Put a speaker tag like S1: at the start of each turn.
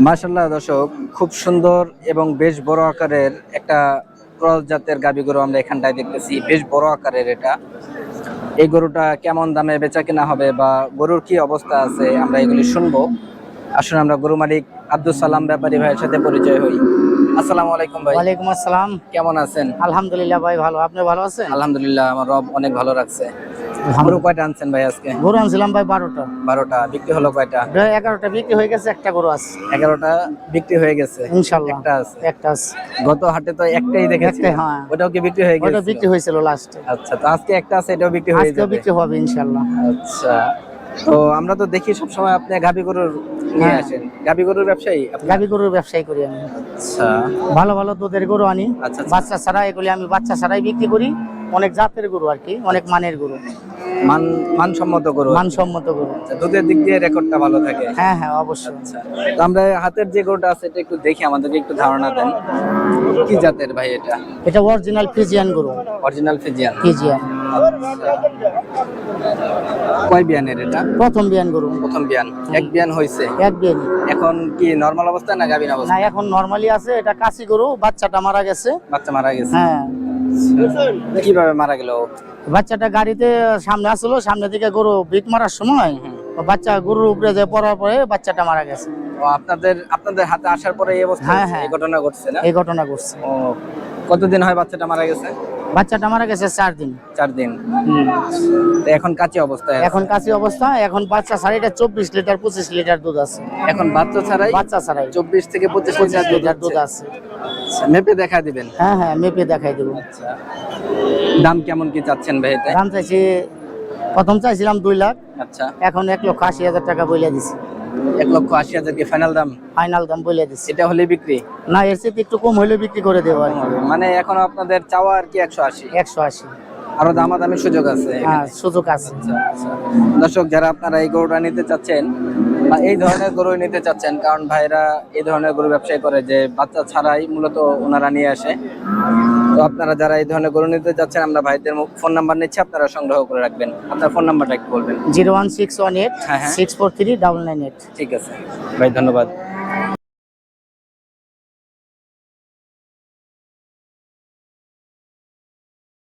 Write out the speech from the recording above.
S1: মাশাআল্লাহ দর্শক, খুব সুন্দর এবং বেশ বড় আকারের একটা ক্রস জাতের গাভী গরু আমরা এখানটায় দেখতেছি। বেশ বড় আকারের এটা। এই গরুটা কেমন দামে বেচা কেনা হবে বা গরুর কি অবস্থা আছে আমরা এগুলি শুনবো। আসুন আমরা গরু মালিক আব্দুল সালাম ব্যাপারী ভাইয়ের সাথে পরিচয় হই। আসসালামু আলাইকুম ভাই।
S2: ওয়ালাইকুম আসসালাম।
S1: কেমন আছেন?
S2: আলহামদুলিল্লাহ ভাই ভালো, আপনি ভালো আছেন?
S1: আলহামদুলিল্লাহ, আমার রব অনেক ভালো রাখছে। গরু কয়টা আনছেন ভাই আজকে?
S2: গরু আনছিলাম ভাই 12টা।
S1: 12টা বিক্রি হলো কয়টা?
S2: 11টা বিক্রি হয়ে গেছে, একটা গরু আছে
S1: 11টা বিক্রি হয়ে গেছে,
S2: ইনশাআল্লাহ।
S1: একটা আছে।
S2: একটা আছে,
S1: গত হাটে তো একটাই দেখেছি,
S2: একটাই, হ্যাঁ।
S1: ওটাও কি বিক্রি হয়ে গেছে?
S2: ওটা বিক্রি হয়েছিল লাস্টে।
S1: আচ্ছা, তো আজকে একটা আছে, এটাও বিক্রি হয়ে
S2: আজকেও
S1: যাবে।
S2: বিক্রি হবে ইনশাআল্লাহ।
S1: আচ্ছা, তো আমরা তো দেখি সব সময় আপনি গাভী গরুর নিয়ে
S2: হ্যাঁ।
S1: আসেন, গাভী গরুর ব্যবসায়ী আপনি?
S2: গাভী গরুর ব্যবসায়ী করি আমি।
S1: আচ্ছা
S2: ভালো ভালো দুধের গরু আনি,
S1: আচ্ছা, আচ্ছা।
S2: বাচ্চা ছাড়া এগুলি আমি বাচ্চা ছাড়াই বিক্রি করি। অনেক জাতের গরু আর কি, অনেক মানের গরু,
S1: মানসম্মত গরু।
S2: মানসম্মত গরু।
S1: আচ্ছা, দুধের দিক দিয়ে রেকর্ডটা ভালো থাকে।
S2: হ্যাঁ হ্যাঁ অবশ্যই।
S1: আচ্ছা, তো আমরা হাতের যে গরুটা আছে এটা একটু দেখি, আমাদেরকে একটু ধারণা দেন কি জাতের ভাই এটা?
S2: এটা অরিজিনাল ফিজিয়ান গরু।
S1: Original Friesian.
S2: ফিজিয়ান
S1: কয় বিয়ানের এটা?
S2: প্রথম বিয়ান গরু।
S1: প্রথম বিয়ান। এক বিয়ান হয়েছে?
S2: এক বিয়ানি।
S1: এখন কি নরমাল অবস্থা না গাভীন
S2: না,
S1: অবস্থা?
S2: এখন নরমালি আছে। এটা কাশি গরু, বাচ্চাটা মারা গেছে।
S1: বাচ্চা মারা গেছে?
S2: হ্যাঁ।
S1: কিভাবে মারা গেল?
S2: বাচ্চাটা গাড়িতে সামনে আসলো, সামনে দিকে গরু বিট মারার সময় বাচ্চা গরুর উপরে যে পড়ার পরে বাচ্চাটা মারা গেছে।
S1: ও, আপনাদের হাতে আসার পরে এই অবস্থা
S2: হ্যাঁ,
S1: হয়েছে?
S2: হ্যাঁ।
S1: এই ঘটনা ঘটছে না?
S2: এই ঘটনা ঘটছে।
S1: ও, কতদিন হয় বাচ্চাটা মারা গেছে?
S2: বাচ্চাটা মারা গেছে 4 দিন।
S1: 4 দিন। তো এখন কাঁচি অবস্থায় আছে?
S2: এখন কাশি অবস্থা। এখন বাচ্চা ছাড়াইটা 24 লিটার 25 লিটার দুধ আছে।
S1: এখন বাচ্চা ছাড়াই
S2: বাচ্চা ছাড়াই
S1: 24 থেকে 25
S2: 25
S1: লিটার
S2: লিটার
S1: দুধ
S2: দুধ
S1: আছে।
S2: আছে।
S1: আচ্ছা, মেপে দেখা দিবেন?
S2: হ্যাঁ হ্যাঁ মেপে দেখাই দেবো।
S1: আচ্ছা, দাম কেমন কি চাচ্ছেন ভাই এতে?
S2: দাম চাইছি, প্রথম চাইছিলাম 2 লাখ,
S1: আচ্ছা,
S2: এখন 1,80,000 টাকা বইলা দিছি।
S1: 1,80,000 কি ফাইনাল দাম?
S2: ফাইনাল দাম বইলা দিছি।
S1: এটা হলে বিক্রি?
S2: না, এর চেয়ে একটু কম হলে বিক্রি করে দেবো আর কি।
S1: মানে এখন আপনাদের চাওয়া আর কি 180?
S2: 180।
S1: আরো দামাদামির সুযোগ আছে এখানে?
S2: হ্যাঁ সুযোগ আছে।
S1: আচ্ছা, আচ্ছা। দর্শক, যারা আপনারা এই গরুটা নিতে চাচ্ছেন বা এই ধরনের গরু নিতে চাচ্ছেন, কারণ ভাইরা এই ধরনের গরু ব্যবসায় করে যে বাচ্চা ছাড়াই মূলত ওনারা নিয়ে আসে, তো আপনারা যারা এই ধরনের গরু নিতে চাচ্ছেন আমরা ভাইদের ফোন নাম্বার নিচ্ছি, আপনারা সংগ্রহ করে রাখবেন। আপনার ফোন নাম্বারটা একটু বলবেন?
S2: 01618
S1: হ্যাঁ, হ্যাঁ।
S2: 643 998।
S1: ঠিক আছে ভাই, ধন্যবাদ।